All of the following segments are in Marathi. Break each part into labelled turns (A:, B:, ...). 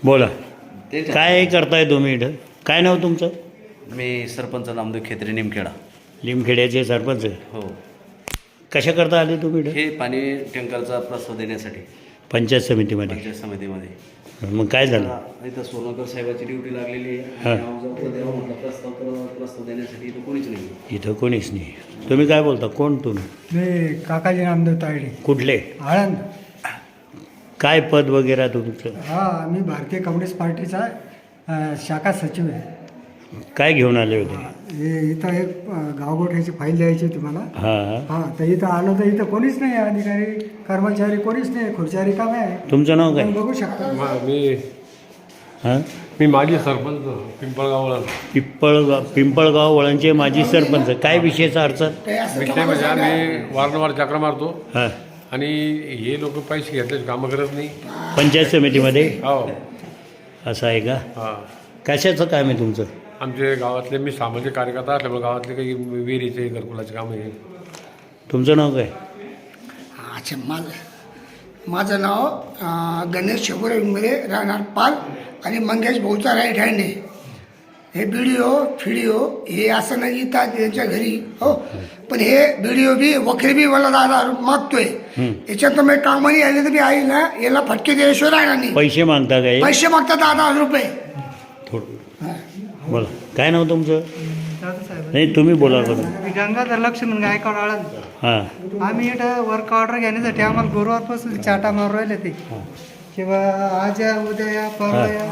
A: बोला,
B: ते
A: काय करताय तुम्ही इथं? काय नाव तुमचं?
B: मी सरपंच नामदेव खेत्री निमखेडा.
A: लिमखेड्याचे सरपंच आहे.
B: हो,
A: कशा करता आले तुम्ही इथं?
B: हे पाणी टँकरचा प्रस्ताव देण्यासाठी
A: पंचायत समितीमध्ये.
B: पंचायत समितीमध्ये.
A: मग काय झालं?
B: इथं सोनकर साहेबाची ड्युटी लागलेली आहे.
A: हां.
B: नाव जर द्यावं म्हटलं प्रस्ताव देण्यासाठी इथं कोणीच नाही.
A: इथं कोणीच नाही. तुम्ही काय बोलता? कोण तुम्ही?
C: मी काकाजी नामदेव तायडे,
A: कुठले?
C: आळंद.
A: काय पद वगैरे तुमचं?
C: हा, मी भारतीय कम्युनिस्ट पार्टीचा शाखा सचिव आहे.
A: काय घेऊन आले होते?
C: हे इथं एक गावगोठ्याची फाईल द्यायची होती मला.
A: हां.
C: हा, तर इथं आलो तर इथं कोणीच नाही, अधिकारी कर्मचारी कोणीच नाही, खुर्च्या रिकाम्या आहे.
A: तुमचं नाव काय?
C: तुम्ही बघू शकता.
A: हां.
D: मी माजी सरपंच पिंपळगावला.
A: पिंपळगाव वळणचे माजी सरपंच. काय विषयाचा अडचण?
D: विषय म्हणजे आम्ही वारंवार चक्र मारतो
A: हां.
D: आणि हे लोक पैसे घेतल्याचे कामं करत नाही.
A: पंचायत समितीमध्ये
D: हो.
A: असं आहे का?
D: हां.
A: कशाचं काम आहे तुमचं?
D: आमचे गावातले, मी सामाजिक कार्यकर्ता असल्यामुळे गावातले काही विहिरीचे घरकुलाचे कामं आहे.
A: तुमचं नाव काय?
E: अच्छा, माझं नाव गणेश शंभूराव इंगळे, राहणार पाल आणि मंगेश भाऊचा राईट हँड आहे. हे बीडीओ फिडिओ हे असं नाही येतात त्यांच्या घरी, हो, पण हे बीडीओ बी वकील बी मला 10,000 मागतोय. याच्यात मी कामाने आले तर बी आई ना याला फटके दिल्याशिवाय राहणार नाही.
A: पैसे मागता काय?
E: पैसे मागतात 10,000 रुपये.
A: बोला, काय नाव तुमचं?
C: साहेब,
A: नाही, तुम्ही बोला बरं.
C: मी गंगाधर लक्ष्मण गायकवाड, आळंद.
A: हां.
C: आम्ही इथं वर्क ऑर्डर घेण्यासाठी आम्हाला गुरुवारपासून चाटा मारू राहिले ते, किंवा आज या उद्या या परवा या.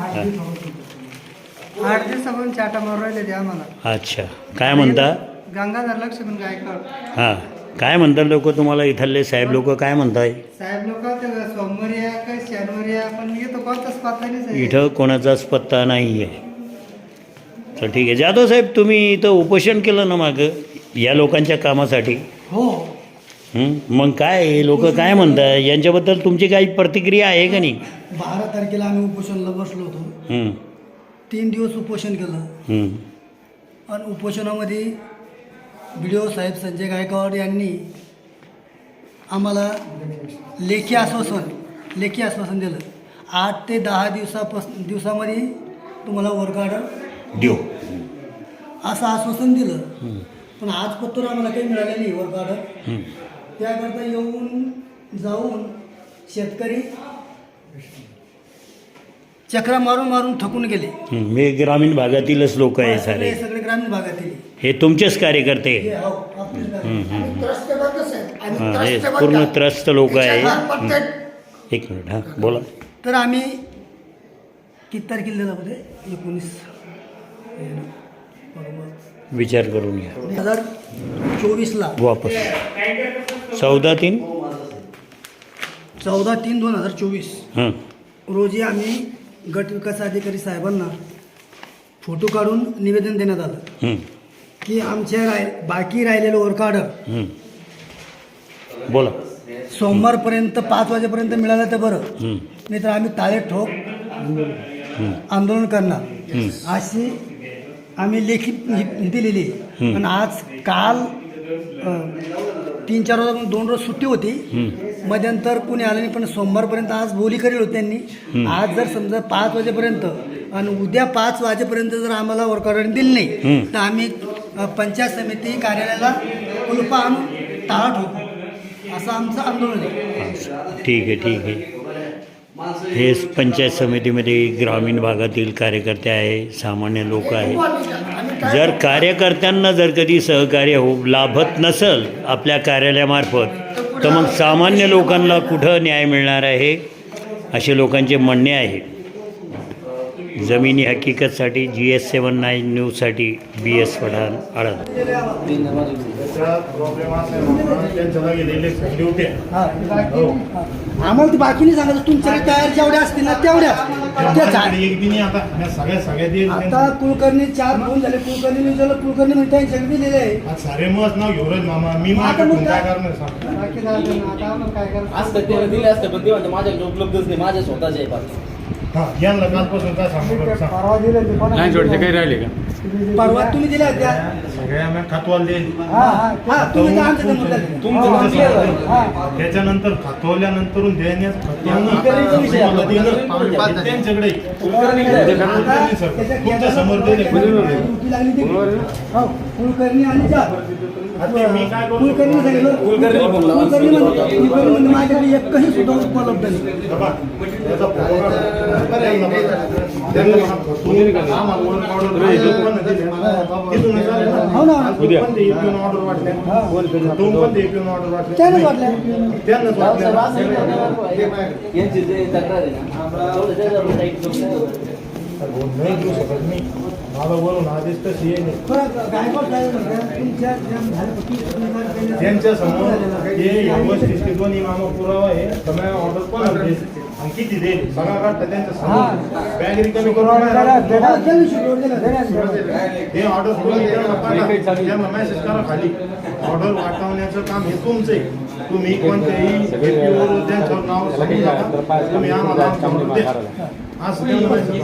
C: 8 दिवसापासून चाटा मारू राहिले ते आम्हाला.
A: अच्छा, काय म्हणता?
C: गंगाधर लक्ष्मण गायकवाड.
A: हां. काय म्हणतात लोक तुम्हाला? इथले साहेब लोक काय म्हणताय?
C: साहेब लोक सोमवारी या काय शनिवारी या, पण येतो कोणताच पत्ता नाही साहेब.
A: इथं कोणाचाच पत्ता नाही आहे. तर ठीक आहे. जाधव साहेब, तुम्ही इथं उपोषण केलं ना मागं या लोकांच्या कामासाठी?
E: हो,
A: मग काय लोक काय म्हणतात यांच्याबद्दल तुमची काही प्रतिक्रिया आहे का नाही?
E: 12 तारखेला आम्ही उपोषणाला बसलो होतो. 3 दिवस उपोषण केलं आणि उपोषणामध्ये BDO साहेब संजय गायकवाड यांनी आम्हाला लेखी आश्वासन दिलं. 8 ते 10 दिवसामध्ये तुम्हाला वर्क ऑर्डर
A: देऊ
E: असं आश्वासन दिलं. पण आज पत्र आम्हाला काही मिळालं नाही वर्क ऑर्डर. त्याकरता येऊन जाऊन शेतकरी चक्रा मारून थकून गेले.
A: हे ग्रामीण भागातीलच लोक आहे सारे.
E: सगळे ग्रामीण भागातील
A: हे तुमचेच कार्यकर्ते. हे पूर्ण त्रस्त लोक आहे. एक मिनिट. हां, बोला.
E: तर आम्ही किती तारखेला दिला होते? 19
A: विचार करून घ्या.
E: 2024ला
A: वापस 14/3.
E: 14/3/2024
A: हां.
E: रोजी आम्ही गट विकास अधिकारी साहेबांना फोटो काढून निवेदन देण्यात आलं की आमच्या बाकी राहिलेलं वर्क ऑर्डर
A: बोला.
E: सोमवारपर्यंत 5 वाजेपर्यंत मिळालं तर बरं, नाही तर आम्ही ताळे ठोक आंदोलन करणार अशी आम्ही लेखी दिलेली. पण आज काल 3-4 रोज 2 रोज सुट्टी होती, मध्यंतर कुणी आलं नाही. पण सोमवारपर्यंत आज बोली करेल होती त्यांनी. आज जर समजा 5 वाजेपर्यंत आणि उद्या 5 वाजेपर्यंत जर आम्हाला वर्क ऑर्डर दिली नाही तर आम्ही पंचायत समिती कार्यालयाला कुलपा आणून टाळा ठोकू असं आमचं आंदोलन आहे.
A: ठीक आहे, ठीक आहे. हे पंचायत समितीमध्ये ग्रामीण भागातील कार्यकर्ते आहे, सामान्य लोक आहे. जर कार्यकर्त्यांना जर कधी सहकार्य लाभत नसेल आपल्या कार्यालयामार्फत, तर मग सामान्य लोकांना कुठं न्याय मिळणार आहे असे लोकांचे म्हणणे आहे. जमिनी हकीकतसाठी GS79 न्यूजसाठी BS पठाण, आळंद.
E: आम्हाला ती बाकी नाही सांगायचं. तुमच्याकडे तयार जेवढ्या असतील ना तेवढ्या आता कुलकर्णी 4 फोन झाले. कुलकर्णी विचारलं, कुलकर्णी म्हणते त्यांच्याकडे दिलेले आहे.
F: सारे मत नाव घेऊ रे मामा. मी
E: आता
F: काय
E: मग काय
F: करणार?
E: बाकी राहिलं ना, आता आम्हाला काय करायचं?
G: असतं ते दिले असतं, पण ते म्हणते माझ्याकडे उपलब्धच नाही, माझ्या स्वतःचे आहे.
F: हा यांना कालपासून काय सांगू सांग
C: परवा दिले ते पण
D: नाही जोडचे काही राहिले का
G: परवा तुम्ही दिल्या होत्या
F: सगळ्या आम्ही खातवाल दे
G: तुम्ही तर आमच्या समोर दिल्या.
F: त्याच्यानंतर खातवल्यानंतर देण्यात त्यांच्याकडे तुमच्या समोर दिले
G: ड्युटी लागली ती. हो, कुलकर्णी आणि जा.
F: आता मी काय करू
G: कुलकर्णी सांगितलं कुलकर्णी म्हणजे माझ्याकडे एकही सुद्धा उपलब्ध नाही.
F: बाबा, त्याचा फोटो काढ. त्यांना म्हणा, तुम्ही आम्हाला वर order दिली. तिथूनच आले ना.
G: हो ना.
F: आज पण ते EPN order वाटल्या. दोन पण ते EPN order वाटल्या.
G: त्यानंच वाटल्या.
F: त्यांनाच वाटल्या.
B: यांची जे तक्रार आहे ना तेवढं त्याच्यावर टाईप करून
F: नाही देऊ शकत मी. मला वरून आदेश तशी येईल
G: बरं, गायकवाड साहेब म्हणतात, तुमच्या ज्या झाल्या पती
F: त्यांच्या समोर हे व्यवस्थित दोन्ही मामा पुरावा आहे सगळ्या ऑर्डर पण आणि किती देईल सगळा काढता त्यांच्या समोर बॅग रिकामी करून हे ऑर्डर त्यांना मेसेज करा खाली ऑर्डर वाटवण्याचं काम हे तुमचं आहे तुम्ही कोणत्याही व्यक्तीवर त्यांच्यावर नाव सांगू नका तुम्ही आम्हाला आमच्यावर द्या. असं त्यांना message